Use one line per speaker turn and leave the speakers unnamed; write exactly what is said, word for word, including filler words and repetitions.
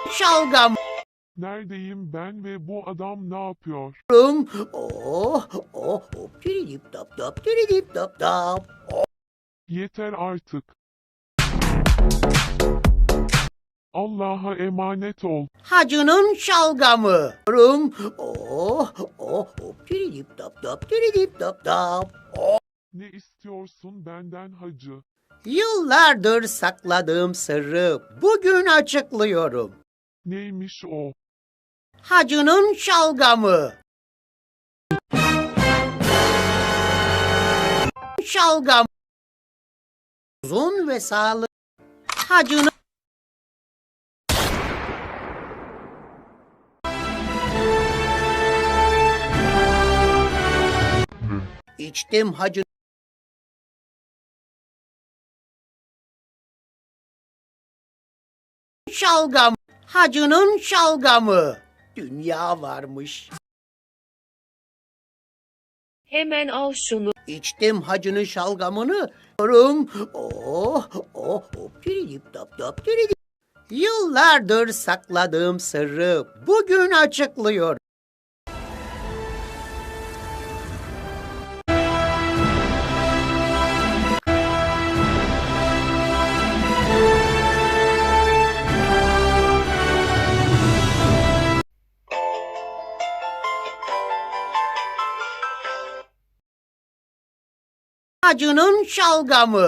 şalgam.
Neredeyim ben ve bu adam ne yapıyor?
Oh, oh, hop, tiridip tap tap, tiridip tap tap.
Yeter artık. Allah'a emanet ol.
Hacının şalgamı. Oh, oh, hop, tiridip tap tap, tiridip tap tap.
Ne istiyorsun benden hacı?
Yıllardır sakladığım sırrı bugün açıklıyorum.
Neymiş o?
Hacının şalgamı. Şalgam. Uzun ve sağlıklı. Hacının içtim hacı. Şalgam. Hacının şalgamı. Dünya varmış.
Hemen al şunu.
İçtim hacının şalgamını. Oh, oh, hop, tiridip tap tap, tiridip. Yıllardır sakladığım sırrı bugün açıklıyorum. Hacının şalgamı.